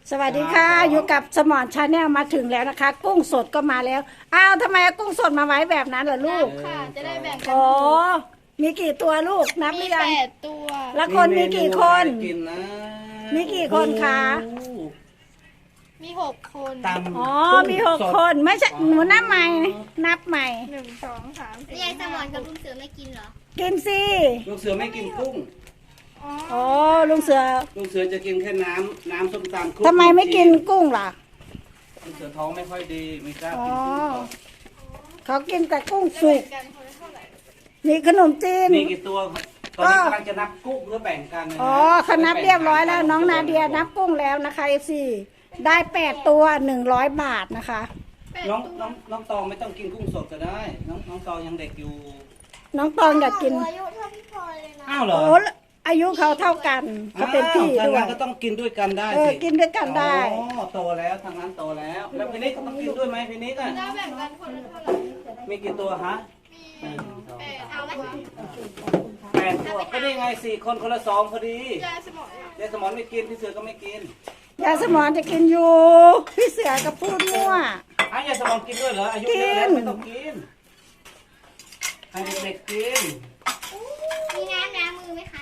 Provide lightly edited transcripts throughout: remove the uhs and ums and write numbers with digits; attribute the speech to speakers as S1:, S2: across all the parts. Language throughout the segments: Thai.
S1: สวัสดีค่ะอยู่กับสมอนชาแนลมาถึงแล้วนะคะ กุ้งสดก็มาแล้วอ้าวทำไมเอากุ้งสดมาไว้แบบนั้นล่ะลูก
S2: ค่ะจะได้แบ่งกัน
S1: อ๋อมีกี่ตัวลูกนับห
S2: มี
S1: รือยัง
S2: 8 ตัว
S1: แล้วคนมีกี่คน
S3: กินนะ
S1: มีกี่คนคะ
S2: มี6 คน
S3: ตำ
S1: อ๋อมี6 คนไม่ใช่หนูนับใหม่นับใหม่
S2: 1 2 3 4
S4: ยายสมอนกับลุงเสือไม่กินเหรอ
S1: กินสิ
S3: ลูกเสือไม่กินกุ้ง
S1: อ๋อลุงเสือ
S3: ลูกเสือจะกินแค่น้ำส้มตำคลุก
S1: ทำไมไม่กินกุ้งล่ะ
S3: ลูกเสือท้องไม่ค่อยดีไม่กล้า
S1: อ๋อ
S3: กินกุ้ง
S1: เขากินแต่กุ้งสุก
S2: กันคนละเท่าไหร่
S1: มีขนมจีน
S3: มีกี่ตัวตอนนี้กำลังจะนับกุ้งเพื่อแบ่งกันนะ
S1: อ๋อเขานับเรียบร้อยแล้วน้องนาเดียนับกุ้งแล้วนะคะเอฟซีได้8 ตัว100 บาทนะคะ
S3: น้องตองไม่ต้องกินกุ้งสดก็ได้ น้องตองยังเด็กอยู่
S1: น้องตองอยากกิน
S4: อายุเท่าพี่พลอยเลยนะ
S3: อ้าวเหรอ
S1: โอ้อายุเขาเท่ากันเขาเป็นพี่
S3: อ้าว
S1: ด้ว
S3: ทางนั้
S1: ย
S3: นก็ต้องกินด้วยกันได้
S1: เออ
S3: สิ
S1: กินด้วยกันได้
S3: อ๋อโตแล้วทางนั้นโตแล้ว แล้วพี่นิกก็ต้องกินด้วยไหมพี่นิกอ่ะ
S2: จะแบ่งกันคนละเท่าไหร่
S3: มีกี่ตัวฮะ
S2: มี
S4: เอาไหม
S3: 8 ตัวก็ได้ไง4 คนคนละ2พอดี
S2: ยายสมอง
S3: ยายสมอนไม่กินพี่เสือก็ไม่กิน
S1: ยายสมอนจะกินอยู่พี่เสือกับพูดมั่ว
S3: อ้าวยายสมอนกินด้วยเหรออายุเยอะแล้วไม่ต้องกินให้เด็กๆกิน
S4: มีน้ำล้างมือไหมคะ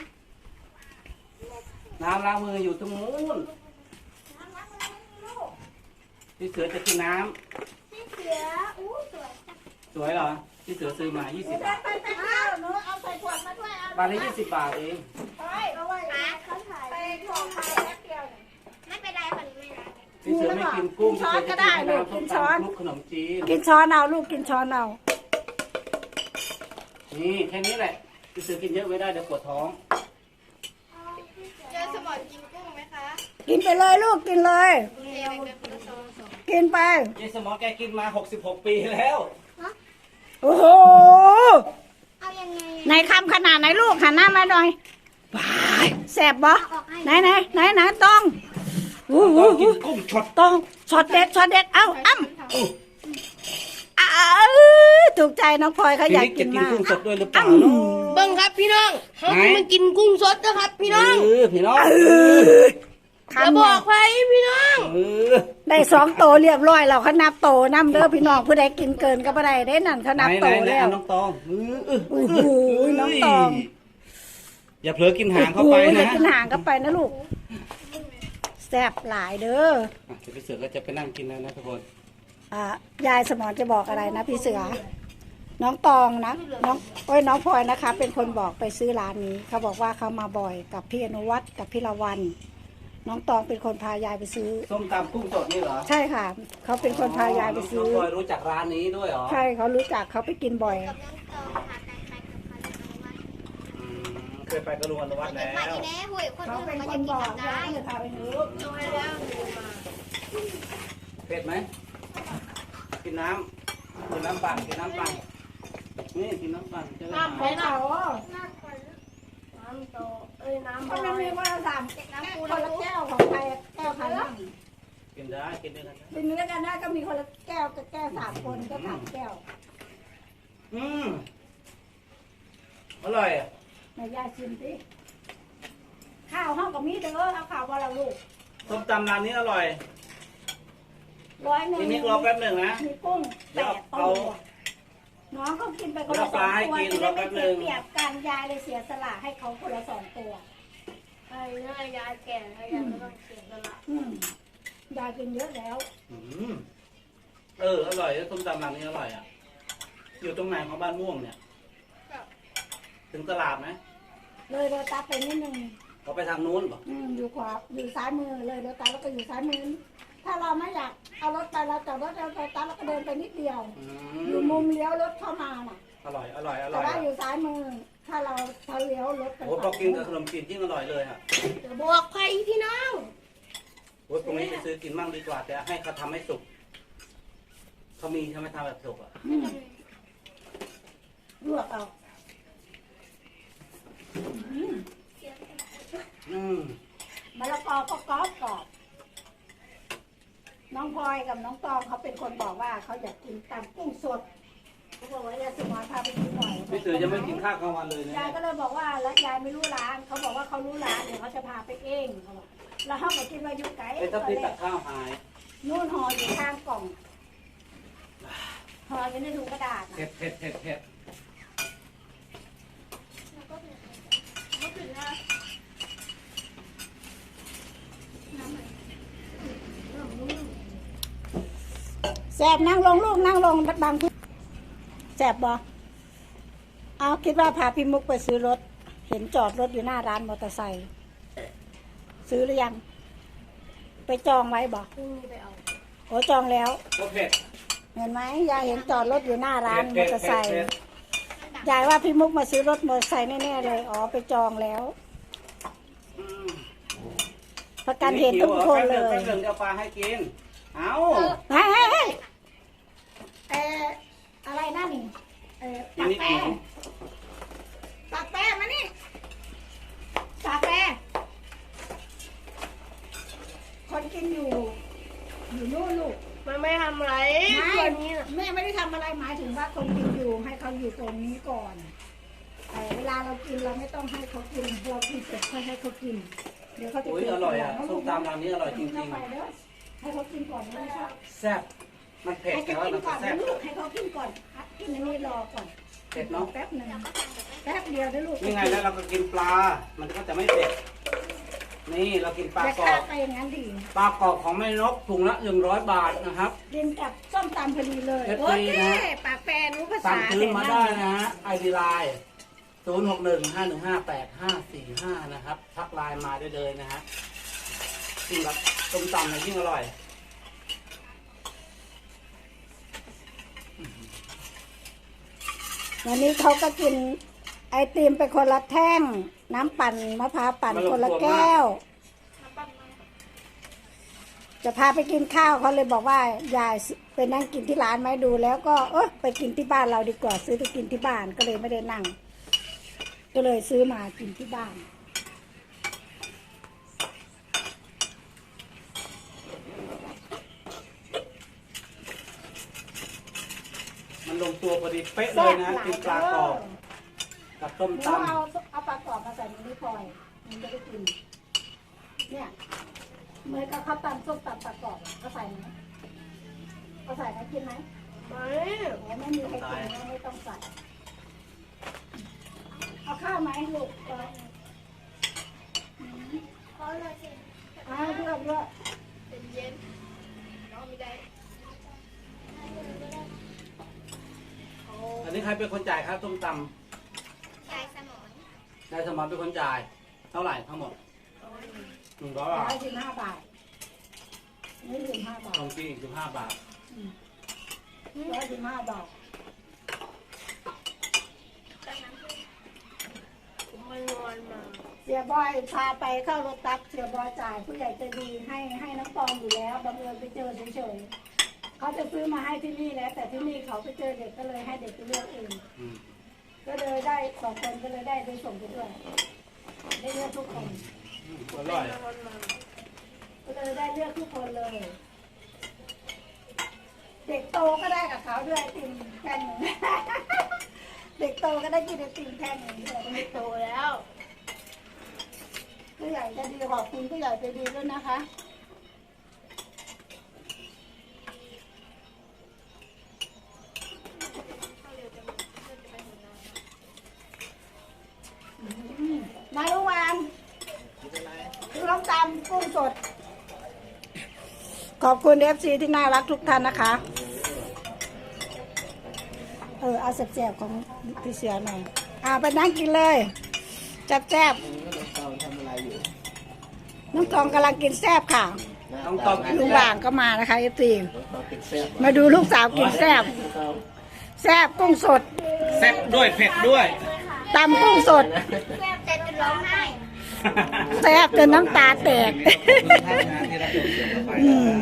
S3: น้ำล้างมืออยู่ตรงนู้นพี่เสือจะกินน้
S4: พี่เสืออู้สวยจัง
S3: ำสวยเหรอพี่เสือซื้อมา20 บาท
S1: ไปหนูเอาใส่ขวดมาด้วยเอา
S3: บาทละ20 บาทเอง
S1: ไปเอาไว้
S4: ป้าเขาถ่าย
S1: ไปของใครแป๊บเดียว
S4: ไม่เป็นไรคนนี้ไม่รัก
S3: พี่เสือไม่กินกุ้งพี่เสือจะกินแค่น้ำส้มตำคลุกขนมจีน
S1: กินช้อนเอาลูกกินช้อนเอา
S3: นี่แค่นี้แหละพี่เสือกินเยอะไม่ได้เดี๋ยวปวดท้อง
S2: ยายสมองกินกุ้งไหมคะ
S1: กินไปเลยลูกกินเลย
S2: เดี๋ยวแบ่งกันคนละซอง
S1: กินไป
S3: ยายสมอแกกินมา66 ปีแล้ว
S1: โอ้โห
S4: เอายังไง
S1: ในคำขนาดไหนลูกหันหน้ามาหน่อยว้ายแสบบ่ไหนต้องอู้
S3: ต้
S1: หู
S3: องกินกุ้งช็อต
S1: ต้องช็อตเด็ดเอ้าอ้ำถูกใจน้องพลอยเขา
S3: พี่
S1: อยาก
S3: นิก
S1: กิ
S3: จะ
S1: น
S3: กิน
S1: มาก
S3: กุ้งสดด้วยหรือเปล่าเนาะ
S2: เบิ้งครับพี่น้องเขาจะมากินกุ้งสดนะครับพี่น้อง
S3: พี่น้อง
S2: จะบอกใครพี่น้อง
S1: ได้2 โตเรียบร้อยแล้วเขานับโตน้ำเด้อพี่น้องผู้ใดกินเกินก็บ่ได้ได้นั่นเขานับโต
S3: ไหน
S1: แล้ว
S3: น้องตอง
S1: โอ้โหน้องตอง
S3: อย่าเผลอกินหางเข้าไป
S1: โอ้โหอย่า
S3: นะ
S1: กินหางก็ไปนะลูกแซ่บหลายเด้อ
S3: เดี๋ยวพี่เสือก็จะไปนั่งกินแล้วนะทุกคน
S1: ยายสมอนจะบอกอะไรนะพี่เสือ น้องตองนะน้องน้องพลอยนะคะ เป็นคนบอกไปซื้อร้านนี้เขาบอกว่าเขามาบ่อยกับพี่อนุวัฒน์กับพี่ละวัน น้องตองเป็นคนพายายไปซื้อ
S3: ส้มตำกุ้งสดนี่เหรอ
S1: ใช่ค่ะเขาเป็นคนพายายไปซื้อ
S3: น้องพลอยรู้จักร้านนี้ด้วยเหรอ
S1: ใช่เขารู้จักเขาไปกินบ่อย
S4: กับน้องตองพากันไปกับใครกับใคร
S3: อืมเคยไปกระลุงอนุวัฒน์
S4: เดี๋
S3: แล้
S4: ยวไป
S3: ว
S4: อีแน่ห่วยคน
S1: เขา
S4: อื่น
S1: เป็น
S4: มัน
S1: ค
S4: จะ
S1: น
S4: กิ
S1: บ
S4: น
S1: อก
S4: ทำ
S1: ว่า
S4: ได้
S1: จะพาไปซื้อ
S2: เอาให้แล้วดูมา
S3: เผ็ดไหมกินน้ำปั่นกินน้ำปั่นนี่กินน้ำปั่นจะได้
S1: ของเขา
S2: น้ำโตน้ำ
S1: เขาไม่มีว่าสามคนละแก้วของใครแก้วใครบ้าง
S3: กินได้กินด้วยกันนะ
S1: เป็นเนื้อกันได้ก็มีคนละแก้วกับแก้ว3 คนก็3 แก้ว
S3: อืมอร่อยอ่ะ
S1: นายยายชิมสิข้าวห้องกับมีเด้อเอาข้าวว่าเราลูก
S3: ส้มตำร้านนี้อร่อย
S1: 100
S3: ทีนี้รอแป๊บหนึ่งนะ
S1: มีกุ้ง
S3: เดี๋ยว
S1: 8
S3: เอา
S1: ตัวน้องเขากินไปคนละ
S3: เดี๋ยวปลาให้
S1: 2 ตัว
S3: กิน
S1: จะได้
S3: รอแป๊
S1: ไม่
S3: บหนึ่
S1: เสีย
S3: ง
S1: เปรียบกันยายเลยเสียสละให้เขาคนละ2 ตัว
S2: ไอ้เนี่ยยายแก่แล้วยายไม่ต้องเสียสละ
S1: ยายกินเยอะแล้ว
S3: อืมอร่อยส้มตำร้านนี้อร่อยอ่ะ อยู่ตรงไหนของบ้านม่วงเนี่ย ถึงตลาดไหม
S1: เลยโรตัสไปนิดนึง
S3: เขาไปทางนู้นเหรอ
S1: อยู่ขวาอยู่ซ้ายมือเลยโรตัสแล้วก็อยู่ซ้ายมือถ้าเราไม่อยากเอารถไปเราจอดรถเราโรตัสแล้วก็เดินไปนิดเดียว
S3: อื
S1: อยู่
S3: ม
S1: มุมเลี้ยวรถเข้ามาน่ะ
S3: อร่อยอร่อยอร่
S1: แต่
S3: อย
S1: ว่าอยู่ซ้ายมือ ถ้าเราเลี้ยวรถไป
S3: โอ้พอกินกับขนมจีนยิ่งอร่อยเลยอ่ะ
S4: บอกใครพี่น้อง
S3: โอ้ตรงนี้ไปซื้อกินมั่งดีกว่าแต่ให้เขาทำให้สุกเขามีใช่ไหมทำแบบสุกอ่ะ
S1: ลวกเอา
S3: อืม
S1: มะละกอก็กรอบกรอบน้องพลอยกับน้องตองเขาเป็นคนบอกว่าเขาอยากกินตำกุ้งสดเขาบอกว่ายายสมรพาไปกินหน่อย
S3: พี่เสือยังไม่กินข้าวกลางวันเลยนะ
S1: ยายก็เลยบอกว่าแล้วยายไม่รู้ร้านเขาบอกว่าเขารู้ร้านเดี๋ยวเขาจะพาไปเองเขาบอกแล้วเขาไปกินมาอยู่ไกล
S3: เป็นทัพพีตักข้าวหาย
S1: นู่นห่ออยู่ข้างกล่องห่ออยู่ในถุงกระดาษ
S3: เผ็ดเผ็ดเผ็ดเผ็ด
S1: แสบนั่งลงลูกนั่งลงบางทุกแสบบ่เอาคิดว่าพาพี่มุกไปซื้อรถ เห็นจอดรถอยู่หน้าร้านมอเตอร์ไซค์ซื้อหรือยัง ไปจองไว้บ่
S2: พรุ่งนี้ไปเอา
S1: โอ้จองแล้ว
S3: ก็เผ็ด
S1: เห็นไหมยายเห็นจอดรถอยู่หน้าร้านม
S3: เผ็
S1: อ
S3: ด
S1: เตอร์ไซ
S3: เผ็ด
S1: ค์
S3: เผ็ด
S1: ยายว่าพี่มุกมาซื้อรถมอเตอร์ไซค์แน่ๆเลยอ๋อไปจองแล้ว
S3: อืม
S1: ประกันเห็นทุกคนเลย
S3: แป๊บนึงจะปลาให้กิน เอา
S1: เฮ้ยเฮ้ยเฮ้ยอะไรนั่นนี่ปากแปรปากแปรมานี่ปากแปรคนกินอยู่นู่นลูก
S2: มันไม่ทำอะไร
S1: ไม่
S2: ตัวนี้น่ะ
S1: แม่ไม่ได้ทำอะไรหมายถึงว่าคนกินอยู่ให้เขาอยู่ตรงนี้ก่อนแต่เวลาเรากินเราไม่ต้องให้เขากินเรากินเสร็จค่อยให้เขากินเดี๋ยวเขาจะ
S3: อุ้ย
S1: กิน
S5: อร่อยอ่ะ
S1: ทีหลัง
S3: ส้มตำร้านนี้อร่อยจริง
S1: เข้าไปเด้อให้เขากินก่อนนะครับ
S3: ๆแซ่บมันเผ็ด
S1: ให้
S3: แต่
S1: เขา
S3: ว่า
S1: กิน
S3: มัน
S1: ก่อน
S3: แซ่
S1: นะ
S3: บ
S1: ลูกให้เขากินก่อนกินอันนี้รอก่อน
S3: เผ็ดเนาะ
S1: แป๊บหนึ่งแป๊บเดียวได้ลูก
S3: นี่ไงแล้วเราก็กินปลา มันก็จะไม่เผ็ด นี่เรากินปลา
S1: จะ
S3: กรอ
S1: ฆ่า
S3: บ
S1: ไปอย่างนั้นดี
S3: ปลากรอบของแม่นกถุงละ100 บาทนะครับ
S1: กินกับส้มตำพอดีเลย
S3: เอฟ
S1: โอ
S3: ซี
S1: เค
S3: นะ
S1: ปากแปรรู้ภา
S3: สั่
S1: ษาง
S3: ซื้อมา
S1: แต่
S3: ได้
S1: นั่น
S3: นะฮะไอดีไลน์0615158545นะครับ ทักไลน์มาได้เลยนะฮะกินแบบส้มตำเนี่ยยิ่งอร่อย
S1: วันนี้เขาก็กินไอติมไปคนละแท่ง น้ำปั่นมะพร้าวปั่นคนละแก้ว จะพาไปกินข้าวเขาเลยบอกว่ายายไปนั่งกินที่ร้านไหมดูแล้วก็ไปกินที่บ้านเราดีกว่าซื้อไปกินที่บ้านก็เลยไม่ได้นั่ง ก็เลยซื้อมากินที่บ้าน
S3: มันลงตัวพอดีเป๊ะเลยนะ กินปลากรอบกับส้ม
S1: หนู
S3: ตำ
S1: เอาปลากรอบมาใส่ในนี้พลอยมันจะได้กิน เนี่ยเหมือนกับข้าวตำส้มตำปลากรอบก็ใส่ไหมก็ใส่ไหมกินไหม
S2: ไม่
S1: โอ้ไม่มีใครกินก็ไม่ต้องใส่ เอาข้าวไหมลูกเอา
S4: ขอเลยสิ
S1: เลือกเลือก
S2: เป็นเย็นน้องไม่ได้
S3: อันนี้ใครเป็นคนจ่ายครับส้มต
S4: ยายสมอน
S3: ำนายสมรเป็นคนจ่าย เท่าไหร่ทั้งหมด100 บาท
S1: 115 บาทนี่15 บาท
S3: ทองกี้อีก15 บาท
S1: 115 บาท
S2: ผมไม่นอนมา
S1: เสียบอยพาไปเข้ารถตักเสียบอยจ่ายผู้ใหญ่ใจดีให้น้ำตองอยู่แล้วบังเอิญไปเจอเฉยๆเขาจะซื้อมาให้ที่นี่แล้วแต่ที่นี่เขาไปเจอเด็กก็เลยให้เด็กไปเลือกเอง
S3: อืม
S1: ก็เลยได้2 คนก็เลยได้ไปส่งไปด้วยได้เลือกทุกคน
S3: อร่อย
S2: นอนมา
S1: ก็เลยได้เลือกทุกคนเลย เด็กโตก็ได้กับเขาด้วยไอติมแท่งหนึ่ง เด็กโตก็ได้กินไอติมแท่งหนึ่งด้วย
S2: ไม่โตแล้ว
S1: ผู้ใหญ่ใจะดีขอบคุณผู้ใหญ่ใจดีด้วยนะคะ มาลุงวานคือน้ำตำกุ้งสด ขอบคุณเอฟซีที่น่ารักทุกท่านนะคะ เอาแซ่บๆของพี่เสือหน่อยไปนั่งกินเลยแซ่บๆน้องตองกำลังกินแซ่บค่ะ
S3: ต้องตอบกิน
S1: ลุง
S3: แซ่
S1: ว่าง
S3: บ
S1: ก็มานะคะเอฟซีมาดูลูกสาวกินแซ่บแซ่บกุ้งสด
S3: แซ่บด้วยเผ็ดด้วย
S1: ตำกุ้งสด
S4: แซ่บแต่จะร้องไห้
S1: แซ่บจนน้ำตาแตก
S3: ที่เรา